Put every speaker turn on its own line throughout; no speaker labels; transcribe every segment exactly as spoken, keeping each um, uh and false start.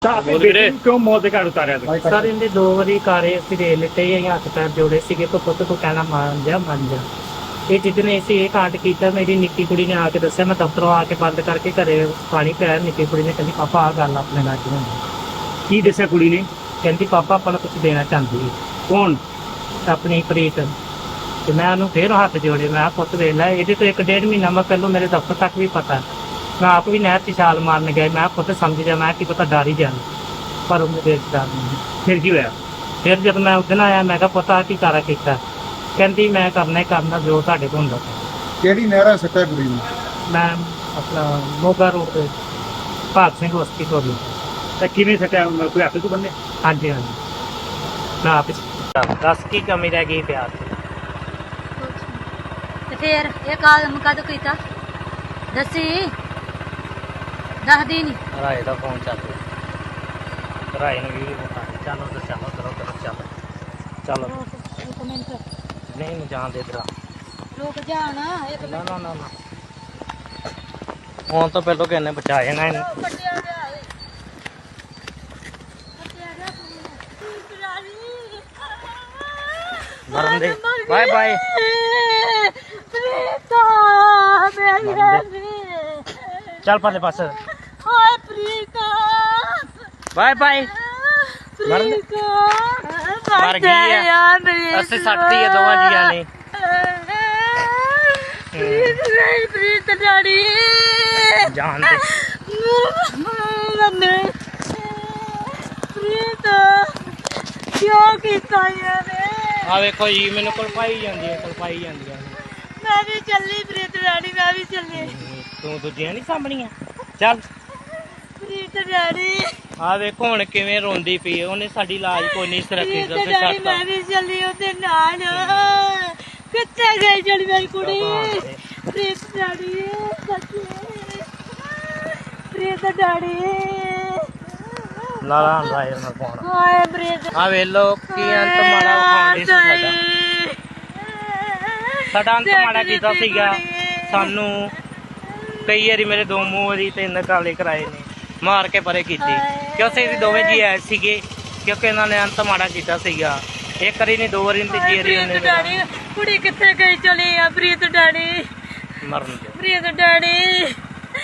क्यों मौत के घाट उतारा था?
सर इनके दो बारी कारे ਅਸੀਂ ਦੇ ਲਿੱਤੇ ਹੀ ਹੱਥ ਪੈਰ ਜੋੜੇ ਸੀਗੇ ਕੋ ਪੁੱਤ ਤੂੰ ਕਹਿਣਾ ਮੰਨ ਜਾ ਮੰਨ ਜਾ ਇਹ ਜਿੱਦਨੇ ਅਸੀਂ ਇਹ ਕਾਂਡ ਕੀਤਾ ਮੇਰੀ ਨਿੱਕੀ ਕੁੜੀ ਨੇ ਆ ਕੇ ਦੱਸਿਆ ਮੈਂ ਦਫ਼ਤਰੋਂ ਆ ਕੇ ਬੰਦ ਕਰਕੇ ਘਰੇ ਪਾਣੀ ਪਿਆ ਨਿੱਕੀ ਕੁੜੀ ਨੇ ਕਹਿੰਦੀ ਪਾਪਾ ਆ ਗੱਲ ਆਪਣੇ ਨਾਲ ਕਿਉਂ
की दसा कुड़ी ने?
ਕਹਿੰਦੀ ਪਾਪਾ ਆਪਾਂ ਨੂੰ ਕੁਝ ਦੇਣਾ ਚਾਹੁੰਦੀ ਹੈ
कौन?
ਆਪਣੀ ਪ੍ਰੀਤ ਤੇ ਮੈਂ ਉਹਨੂੰ ਫੇਰ ਹੱਥ ਜੋੜੇ ਮੈਂ ਕਿਹਾ ਪੁੱਤ ਵੇਖ ਲੈ ਇਹਦੇ ਤੋਂ ਇੱਕ ਡੇਢ ਮਹੀਨਾ ਮੈਂ ਪਹਿਲਾਂ ਮੇਰੇ ਦਫ਼ਤਰ ਤੱਕ ਵੀ ਪਤਾ ਮੈਂ ਆਪ ਵੀ ਨਹਿਰ 'ਚ ਛਾਲ ਮਾਰਨ ਗਿਆ ਮੈਂ ਕਿਹਾ ਪੁੱਤ ਸਮਝ ਜਾ ਮੈਂ ਕੀ ਪਤਾ ਡਰ ਹੀ ਜਾਣਾ ਪਰ ਉਹਨੇ ਦੇਖ ਡਰ ਨਹੀਂ
फिर की होया?
ਫਿਰ ਜਦ ਮੈਂ ਉਸ ਦਿਨ ਆਇਆ ਮੈਂ ਕਿਹਾ ਪਤਾ ਕੀ ਕਾਰਾ ਕੀਤਾ ਕਹਿੰਦੀ ਮੈਂ ਕਰਨਾ ਹੀ ਕਰਨਾ ਜੋ ਤੁਹਾਡੇ ਕੋਲ ਹੁੰਦਾ
ਕਿਹੜੀ ਨਹਿਰਾ ਸੱਟਾ ਕੁੜੀ ਨੂੰ?
ਮੈਂ ਆਪਣਾ ਮੋਗਾ ਰੋਡ ਤੇ ਭਾਗ ਸਿੰਘ ਬਸਤੀ ਤੋਂ ਵੀ
तो किवें सटा कोई हाथ तो बन्ने?
ਹਾਂਜੀ ਹਾਂਜੀ ਮੈਂ ਆਪ ਹੀ- ਦੱਸ ਕੀ ਕਮੀ ਰਹਿ ਗਈ ਪਿਆਰ ਦੀ
ਤੇ ਫੇਰ ਇਹ ਕਾਲਮ ਕਦ ਕੀਤਾ ਦੱਸੀ ਦੱਸਦੀ ਨੀ
ਰਾਏ ਦਾ ਫੋਨ ਚੱਲ ਰਿਹਾ ਰਾਏ ਨੂੰ ਵੀਡੀਓ ਬਤਾ ਚਲੋ ਤੇ ਚਲੋ ਕਰੋ ਕਰੋ ਚਲੋ ਚਲੋ
ਇੱਕ ਮਿੰਟ
ਨਹੀਂ ਨੂੰ ਜਾਣ ਦੇ ਦਰਾ
ਰੁਕ ਜਾਣ ਇੱਕ
ਨਾ ਨਾ ਨਾ ਨਾ ਹੁਣ ਤਾਂ ਪਹਿਲਾਂ ਕਿੰਨੇ ਬਚਾ ਜਾਣਾ ਇਹਨੂੰ
ਕੱਟਿਆ ਗਿਆ ਏ ਕੱਟਿਆ ਗਿਆ ਤੂੰ ਰਾਣੀ
ਮਰਨ ਦੇ ਬਾਏ ਬਾਏ
ਪ੍ਰੀਤਾ ਮੇਰੀ ਰਾਣੀ
ਚੱਲ ਪਰਲੇ ਪਾਸੇ
ਹਾਏ ਪ੍ਰੀਤਾ
ਬਾਏ ਬਾਏ ਮਰਨ ਦੇ
ਪ੍ਰੀਤਾ
ਮਰ ਗਈ ਆ ਅਸੀਂ ਸੱਟਤੀ ਆ ਦੋਵਾਂ ਜੀਆਂ ਨੇ
ਪ੍ਰੀਤ ਨਹੀਂ ਪ੍ਰੀਤ ਡਾੜੀ
ਜਾਣ ਦੇ
ਮੰਨੇ ਪ੍ਰੀਤ ਕਿਉਂ ਕੀਤਾ ਇਹਨੇ
ਆ ਵੇਖੋ ਜੀ ਮੈਨੂੰ ਕਲਪਾਈ ਜਾਂਦੀ ਹੈ ਕਲਪਾਈ ਜਾਂਦੀਆਂ ਨੇ
ਮੈਂ ਵੀ ਚੱਲੀ ਪ੍ਰੀਤ ਡਾੜੀ ਮੈਂ ਵੀ ਚੱਲੀ
ਤੂੰ ਦੂਜੀਆਂ ਨਹੀਂ ਸਾਂਭਣੀਆਂ ਚੱਲ
ਪ੍ਰੀਤ ਡਾੜੀ
ਆ ਵੇਖੋ ਹੁਣ ਕਿਵੇਂ ਰੋਂਦੀ ਪਈ ਹੈ ਉਹਨੇ ਸਾਡੀ ਲਾਜ ਕੋਈ ਨਹੀਂ ਸੁਰੱਖਿਅਤ
ਪ੍ਰੀਤ
ਤੇ
ਡਾੜੀ
ਛੱਡਤਾ
ਮੈਂ ਵੀ ਚੱਲੀ ਉਹਦੇ ਨਾਲ ਕਿੱਥੇ ਗਈ ਜਿਹੜੀ ਮੇਰੀ ਕੁੜੀ ਪ੍ਰੀਤ ਡਾੜੀ ਸੱਚੀ ਪ੍ਰੀਤ ਡਾੜੀ
ਲਾਲਾ ਰਾਏ ਨਾਲ ਪਾਉਣਾ
ਹਾਏ ਪ੍ਰੀਤ
ਆ ਵੇਲੋ ਕੀ ਅੰਤ ਮਾੜਾ ਵਿਖਾਉਂਦੀ ਸੀ ਸਾਡਾ ਸਾਡਾ ਅੰਤ ਮਾੜਾ ਕੀਤਾ ਸੀਗਾ ਸਾਨੂੰ ਕਈ ਵਾਰੀ ਮੇਰੇ ਦੋ ਮੂੰਹ ਵਾਰੀ ਤਿੰਨ ਕਾਲੇ ਕਰਾਏ ਨੇ ਮਾਰ ਕੇ ਪਰੇ ਕੀਤੀ ਕਿਉਂਕਿ ਅਸੀਂ ਦੋਵੇਂ ਜੀ ਆਏ ਸੀਗੇ ਕਿਉਂਕਿ ਇਹਨਾਂ ਨੇ ਅੰਤ ਮਾੜਾ ਕੀਤਾ ਸੀਗਾ ਇੱਕ ਵਾਰੀ ਨਹੀਂ ਦੋ ਵਾਰੀ ਨਹੀਂ ਤੀਜੀ ਵਾਰੀ ਉਹਨੇ
ਪ੍ਰੀਤ ਡਾੜੀ ਕੁੜੀ ਕਿੱਥੇ ਗਈ ਚਲੀ ਆ ਪ੍ਰੀਤ ਡਾੜੀ
ਮਰਨ ਦੇ
ਪ੍ਰੀਤ ਡਾੜੀ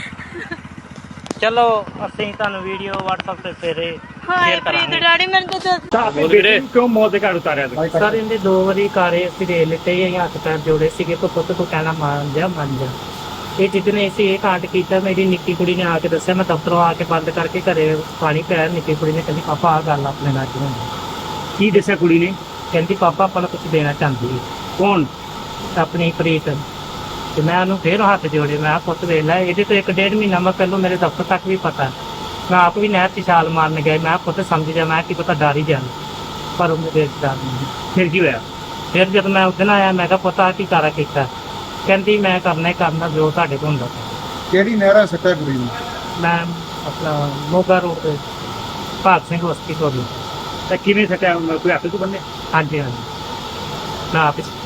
ਚਲੋ ਅਸੀਂ ਤੁਹਾਨੂੰ ਵੀਡੀਓ WhatsApp ਤੇ ਫੇਰੇ
ਹਾਏ
ਸ਼ੇਅਰ
ਪ੍ਰੀਤ
ਕਰਾਂਗੇ
ਡਾੜੀ ਮੈਨੂੰ ਤਾਂ ਦੱਸ
आपने बेटे को क्यों मौत के घाट उतारा था?
ਸਰ ਇਹਦੇ ਦੋ ਵਾਰੀ ਕਾਰੇ ਅਸੀਂ ਦੇ ਲਿੱਤੇ ਹੀ ਹੱਥ ਪੈਰ ਜੋੜੇ ਸੀਗੇ ਕੋ ਪੁੱਤ ਤੂੰ ਕਹਿਣਾ ਮੰਨ ਜਾ ਮੰਨ ਜਾ ਇਹ ਜਿੱਦਨੇ ਅਸੀਂ ਇਹ ਕਾਂਡ ਕੀਤਾ ਮੇਰੀ ਨਿੱਕੀ ਕੁੜੀ ਨੇ ਆ ਕੇ ਦੱਸਿਆ ਮੈਂ ਦਫ਼ਤਰੋਂ ਆ ਕੇ ਬੰਦ ਕਰਕੇ ਘਰੇ ਪਾਣੀ ਪਿਆ ਨਿੱਕੀ ਕੁੜੀ ਨੇ ਕਹਿੰਦੀ ਪਾਪਾ ਆ ਗੱਲ ਆਪਣੇ ਨਾਲ ਕਿਉਂ
की दसा कुड़ी ने?
ਕਹਿੰਦੀ ਪਾਪਾ ਆਪਾਂ ਨੂੰ ਕੁਝ ਦੇਣਾ ਚਾਹੁੰਦੀ ਹੈ
कौन?
ਆਪਣੀ ਪ੍ਰੀਤ ਤੇ ਮੈਂ ਉਹਨੂੰ ਫੇਰ ਹੱਥ ਜੋੜੇ ਮੈਂ ਕਿਹਾ ਪੁੱਤ ਵੇਖ ਲੈ ਇਹਦੇ ਤੋਂ ਇੱਕ ਡੇਢ ਮਹੀਨਾ ਮੈਂ ਪਹਿਲਾਂ ਮੇਰੇ ਦਫ਼ਤਰ ਤੱਕ ਵੀ ਪਤਾ ਮੈਂ ਆਪ ਵੀ ਨਹਿਰ 'ਚ ਛਾਲ ਮਾਰਨ ਗਿਆ ਮੈਂ ਕਿਹਾ ਪੁੱਤ ਸਮਝ ਜਾ ਮੈਂ ਕੀ ਪਤਾ ਡਰ ਹੀ ਜਾਣਾ ਪਰ ਉਹਨੇ ਦੇਖ ਡਰ ਨਹੀਂ
फिर की होया?
ਫਿਰ ਜਦ ਮੈਂ ਉਸ ਦਿਨ ਆਇਆ ਮੈਂ ਕਿਹਾ ਪਤਾ ਕੀ ਕਾਰਾ ਕੀਤਾ ਕਹਿੰਦੀ ਮੈਂ ਕਰਨਾ ਹੀ ਕਰਨਾ ਜੋ ਤੁਹਾਡੇ ਕੋਲ ਹੁੰਦਾ
ਕਿਹੜੀ ਨਹਿਰਾ ਸੱਟਾ ਕੁੜੀ ਨੂੰ?
ਮੈਂ ਆਪਣਾ ਮੋਗਾ ਰੋਡ ਤੇ ਭਾਗ ਸਿੰਘ ਬਸਤੀ ਤੋਂ ਵੀ
तो किवें सटा कोई हाथ तो बन्ने?
ਹਾਂਜੀ ਹਾਂਜੀ ਮੈਂ ਆਪ ਹੀ